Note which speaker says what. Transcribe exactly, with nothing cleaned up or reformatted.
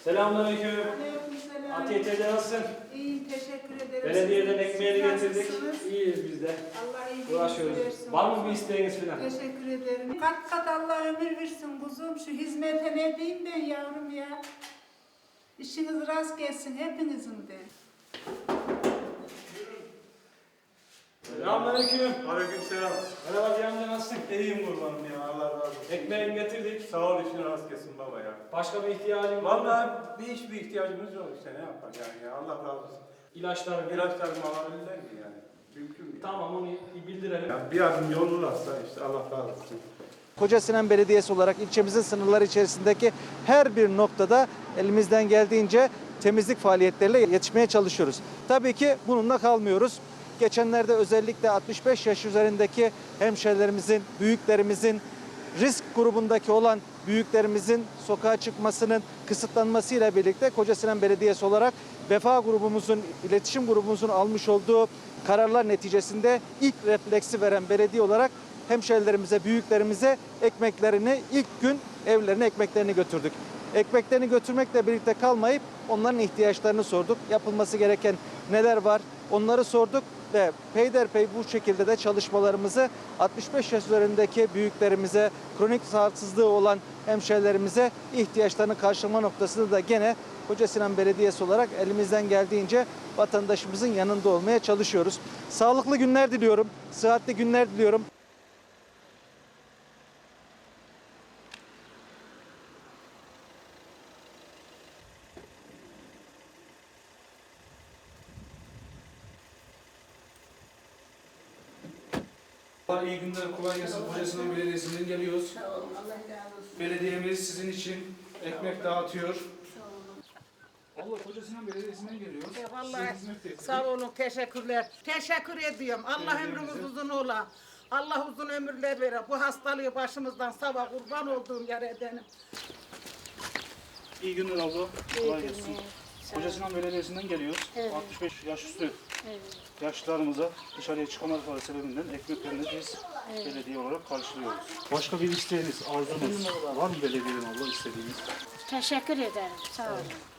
Speaker 1: Selamünaleyküm.
Speaker 2: Aleykümselam.
Speaker 1: Atiye teyze nasılsın?
Speaker 2: İyiyim, teşekkür ederim.
Speaker 1: Belediyeden
Speaker 2: Siz-
Speaker 1: ekmeğini
Speaker 2: siz
Speaker 1: getirdik.
Speaker 2: nasılsınız?
Speaker 1: İyiyiz biz de.
Speaker 2: Allah iyiliğinizi
Speaker 1: Uğraşıyoruz.
Speaker 2: versin.
Speaker 1: Var mı bir isteğiniz falan?
Speaker 2: Teşekkür ederim. Kat kat Allah ömür versin kuzum. Şu hizmete ne diyeyim ben yavrum ya. İşiniz rast gelsin hepinizin de.
Speaker 1: Selamünaleyküm.
Speaker 3: Aleykümselam.
Speaker 1: Merhaba Ziya amca nasılsın?
Speaker 3: İyiyim kurbanım ya, Allah razı olsun.
Speaker 1: Ekmeğini getirdik.
Speaker 3: Sağ ol, işin rast gelsin baba ya.
Speaker 1: Başka bir ihtiyacın var mı?
Speaker 3: Vallahi bir hiçbir ihtiyacımız yok işte, ne yapar yani ya, Allah razı olsun.
Speaker 1: İlaçları.
Speaker 3: İlaçlarımı alabilirler mi yani? Mümkün mü?
Speaker 1: Tamam onu bildirelim.
Speaker 3: Ya bir adım yollarsa işte Allah razı olsun.
Speaker 4: Kocasinan Belediyesi olarak ilçemizin sınırları içerisindeki her bir noktada elimizden geldiğince temizlik faaliyetleriyle yetişmeye çalışıyoruz. Tabii ki bununla kalmıyoruz. Geçenlerde özellikle altmış beş yaş üzerindeki hemşehrilerimizin, büyüklerimizin, risk grubundaki olan büyüklerimizin sokağa çıkmasının kısıtlanmasıyla birlikte Kocasinan Belediyesi olarak Vefa grubumuzun, iletişim grubumuzun almış olduğu kararlar neticesinde ilk refleksi veren belediye olarak hemşehrilerimize, büyüklerimize ekmeklerini ilk gün evlerine ekmeklerini götürdük. Ekmeklerini götürmekle birlikte kalmayıp onların ihtiyaçlarını sorduk. Yapılması gereken neler var onları sorduk ve peyderpey bu şekilde de çalışmalarımızı altmış beş yaş üzerindeki büyüklerimize, kronik sağlıksızlığı olan hemşehrilerimize ihtiyaçlarını karşılama noktasında da gene Kocasinan Belediyesi olarak elimizden geldiğince vatandaşımızın yanında olmaya çalışıyoruz. Sağlıklı günler diliyorum, sıhhatli günler diliyorum.
Speaker 5: İyi günler, kolay gelsin. Kocasinan Belediyesi'nden geliyoruz.
Speaker 2: Sağ olun, Allah razı olsun.
Speaker 5: Belediyemiz sizin için ekmek dağıtıyor. Allah Kocasinan Belediyesi'nden geliyoruz.
Speaker 6: E, Vallahi
Speaker 5: Size hizmet ettik.
Speaker 6: sağ olun, teşekkürler. Teşekkür ediyorum. Allah
Speaker 5: Belediyemize.
Speaker 6: ömrümüz uzun ola. Allah uzun ömürler verir. Bu hastalığı başımızdan sabah kurban olduğum yer edenim.
Speaker 5: İyi günler abla. Kolay
Speaker 6: İyi
Speaker 5: gelsin.
Speaker 6: günler.
Speaker 5: Kocasinan Belediyesi'nden geliyoruz.
Speaker 6: Evet.
Speaker 5: altmış beş yaş üstü yaşlılarımıza dışarıya çıkamadıkları sebebinden ekmeklerini biz belediye olarak karşılıyoruz. Başka bir isteğiniz, arzunuz var mı belediyeden abla istediğiniz?
Speaker 7: Teşekkür ederim. Sağ olun.